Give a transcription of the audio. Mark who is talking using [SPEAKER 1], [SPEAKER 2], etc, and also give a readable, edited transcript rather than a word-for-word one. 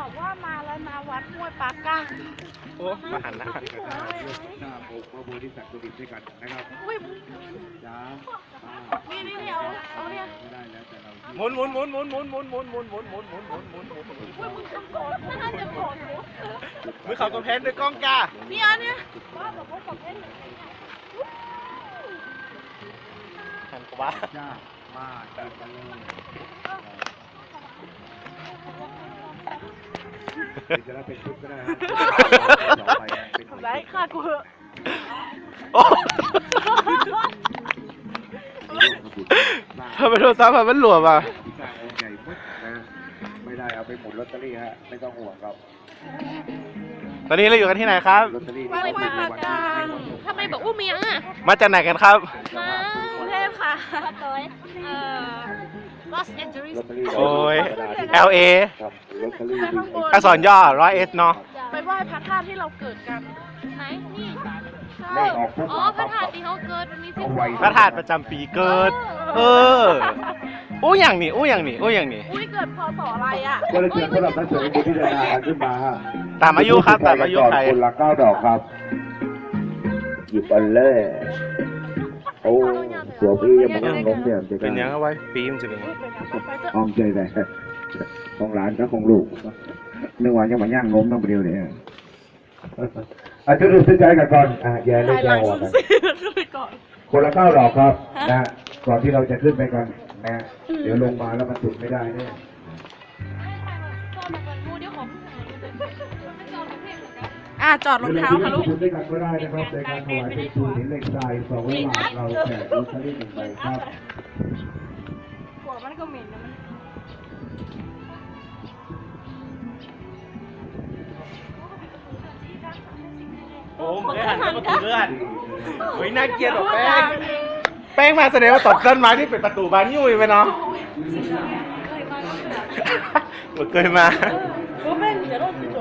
[SPEAKER 1] บอกว่ามาแล้วนะวัดห้วยปาก้าง
[SPEAKER 2] โอ้มาหันหน้า
[SPEAKER 3] หน้าองค์พระโพธิสัตว์ด้วยกันนะครับ
[SPEAKER 1] อุ้ย
[SPEAKER 3] จ้า
[SPEAKER 1] นี่เอาเนี่ย
[SPEAKER 3] ไม่ได้แล้วแต่เรา
[SPEAKER 2] หมุนหมุนหมุนหมุนหมุนหมุนหมุนหมุนหมุนหมุนหมุนหมุนหมุนหมุน
[SPEAKER 1] อุ้ยมึงทำก่อนน่าจะก่อนอยู่
[SPEAKER 2] มือเขากระเพนด้วยกล้องจ้า
[SPEAKER 1] เนี่ยว่าบอกว่าบอกเล่น
[SPEAKER 2] หันกว่า
[SPEAKER 3] จ้ามาจัดกันเลยจะได้เป็นชุดก็ได้ครับต่อไปเป็น
[SPEAKER 1] ทำไรค่ะกู
[SPEAKER 2] โอ้ทำไมโทรศัพท์มันหลวมอ่ะ
[SPEAKER 3] พิซซ่าองค์ใหญ่ปึ๊ดนะไม่ได้เอาไปหมุนลอตเตอรี่ฮะไม่ต้องห่วงครับ
[SPEAKER 2] ตอนนี้เราอยู่กันที่ไหนครับ
[SPEAKER 3] ลอตเตอรี่
[SPEAKER 1] ว่าห้วยปาก้างทำไมบอกอุ้มยังอ่ะ
[SPEAKER 2] มาจากไหนกันครับ
[SPEAKER 1] มากรุงเทพค่ะลอสแอนเจลิส
[SPEAKER 3] ลอตเตอรี่
[SPEAKER 2] โอ้ย LA
[SPEAKER 3] ครับลอตเตอรี่
[SPEAKER 2] อักษรย่อ100S เนาะ
[SPEAKER 1] ไปไหว้พระธาตุที่เราเกิดกัน
[SPEAKER 4] ไหนนี่
[SPEAKER 3] เลขออกปุ๊บ
[SPEAKER 4] อ๋อพระธาตุที่เขาเกิดวันนี้สิ
[SPEAKER 3] เอาไว้
[SPEAKER 2] พระธาตุประจำปีเกิด เอออู้อย่างนี้อู้อย่างนี้อู้อย่างนี้
[SPEAKER 1] อุ้ยเกิดพศอะไรอ่ะ
[SPEAKER 3] ก็เลยเชิญสำหรับท่านเสด็จที่เดินทางขึ้นมาฮะ
[SPEAKER 2] ตามอายุครับตามอายุใคร
[SPEAKER 3] คนละ9 ดอกครับ หยิบอันเล่โอ้สัวพี่ยังไม่ต้องล้มเนี่ยจะ
[SPEAKER 2] เป็นยังไงไว้ปีมันจะเป็นยังไง
[SPEAKER 3] อ้อมใจแต่ของหลานก็ของลูกนึกว่ายังมาย่างล้มต้องเดียวเนี่ยจุดดูสิใจกันก่อนแย่เลยแย่หัวกัน
[SPEAKER 1] ไปก่อน
[SPEAKER 3] คนละ9 ดอกครับนะก่อนที่เราจะขึ้นไปกันนะเดี๋ยวลงมาแล้วมันจุดไม่ได้เนี่ย
[SPEAKER 1] จอดรองเท้าค่ะลูก
[SPEAKER 3] คุณด้วยกันก็ได้นะครับในการถวายเป็นชูหินเหล็กทราย200 บาทเราแจกลอตเตอรี่1 ใบครับ
[SPEAKER 1] หัวมันก็เหม็นนะมัน
[SPEAKER 2] โอ้ไม่หันกับประตูเลื่อนเฮ้ยน่าเกลียดหรอกแป้ง แป้งมาแสดงว่าตบต้นไม้ที่เป็นประตูบานยุ่ยไปเนาะเคยมา
[SPEAKER 1] ก็เป็นจะต้องจ